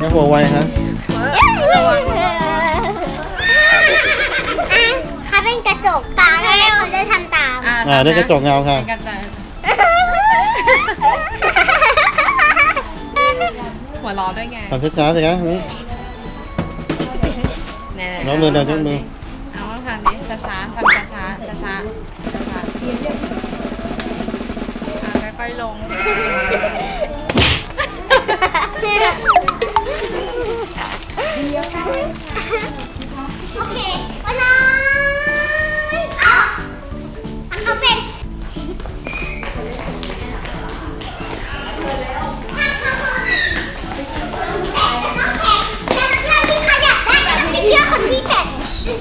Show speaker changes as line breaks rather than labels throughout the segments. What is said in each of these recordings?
แม่หัวไวฮะ
เขาเป็นกระจกตาแล้วเขาจะทำตาม
ได้กระจกเงาค่ะ
เป็นกระจกหัวล้อด้วยไง
ทำช้าๆสิคะนี่ น้องมือเดินยกมือ
เอาทางนี้ช้าๆทำช้าๆช้าๆค่อยๆลง
โอเควันน้อยเขาเป็นไม่เชื่อคนที่แก่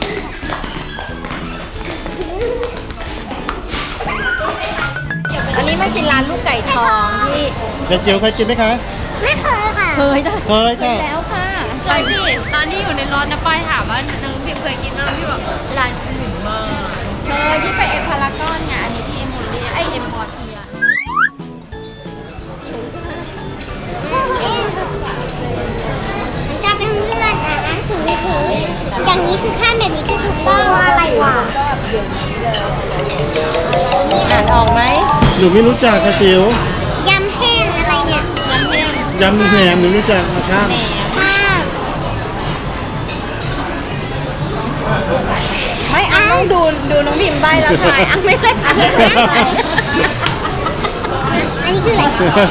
อันนี้มากินร้านลูกไก่ทองที่
เด็กจิ๋วเคยกินไหมคะ
ไม่เคยค่ะ
เคยจ้ะ
เคยค่ะ
แล้วค่ะเคยสิตอนที่อยู่ในรถนะป้ายถามว่าน้องพิมเคยกินน้องพี่บอกร้านหนึ่งมากเคยที่ไปเอ็มพารากอนไงอันนี้ที่เอ็มโมเรียเอ็มพอเทีย
จะเป็นเพื่อนถืออย่างนี้คือขั้นแบบนี้คือถูกต้องอะไรวะ
นี่อ่านออกไหม
หนูไม่รู้จักค่ะจิ๋วย
ำแห้งอะไรเนี่ย
น้ำแห้ง
ยำแหนมหนูรู้จักมาข้าม
มาก
ไม่อ่านต้องดูน้องพิมได้แล้วถ่ายอ่ะไม่ได้อ่าน
อันนี้คืออะไรกิน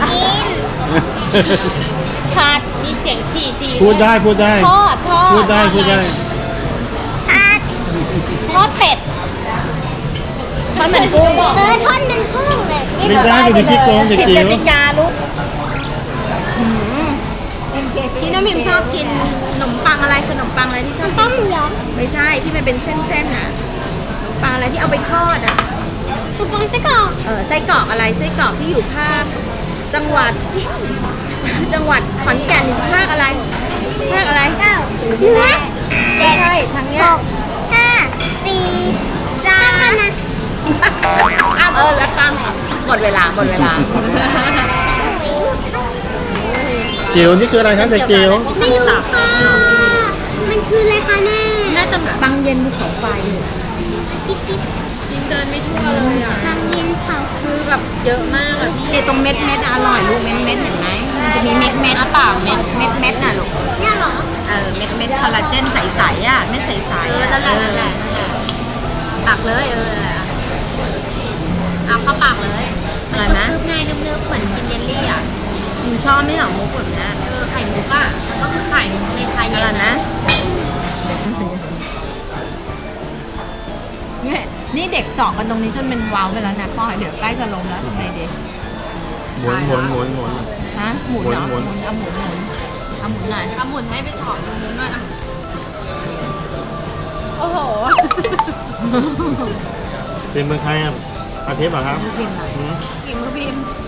ผัดมีเสียงฉี่
พูดได้พูดได้
ทอด
พูดได้พูดได้
ผัด
ทอดเป็ดทอดเหมือนกุ้ง
ทอดมันกุ้งเลย
ไม่ได้เป็นที่โกงเด็กจิ๋ว
กติกาลูกที่น้องพิมชอบกินขนมปังอะไรขนมปังอะไรที่ชอบ
ต้มย
ไม่ใช่ที่มันเป็นเส้นๆนะขนมปังอะไรที่เอาไปทอดอ่ะ
ำตุ๊กปองไส้กรอก
ไส้กรอกอะไรไส้กรอกที่อยู่ภาคจังหวัดขอนแก่นภาคอะไรเนื้อ
เจ็
ไม่
ด
ใช่ทางเนี้ย
ห้าสี่สามนะ
แล้วตั้งหมดเวลา
จิ๋วนี่คืออะไรครับเด็กจิ๋ว
ไม่รู้ค่ะมันคืออะไรคะแม่
น่าจะบางเย็นภูเขาไฟ
จิ๊บจิ๊บ
เดินไม่ทั่วเลยอ่ะ
บางเย็นเขา
คือแบบเยอะมากอ่ะพี่ไอตรงเม็ดอร่อยลูกเม็ดเห็นไหมมันจะมีเม็ดเปล่าเม็ดน่ะลูก
เนี่ยเหรอ
เม็ดคอลลาเจนใสๆอ่ะเม็ดใสๆนั่นแหละตักเลยเอาเข้าปากเลยมันกรึบๆไงนึบๆเหมือนกินเยลลี่อ่ะหนูชอบไม่หรอมุกแบบนี้ไข่มุกอ่ะก็คือไข่มุกในไทยเย็นนะนี่เด็กเจาะกันตรงนี้จนเป็นว้าวไปแล้วนะพ่อเดี๋ยวใกล้จะลงแล้วทำไงดี
หมุน
ฮะหมุนเหรอ
หมุน
เอาหมุนหน่อยเอาหมุนให้ไปถอดตรงนู้นด้วยโอ้โห
เป็นเมืองไทยอ่ะอาทิตย์เหรอครับ
พิมพ์ไหน
หืม
กี่มือพิมพ์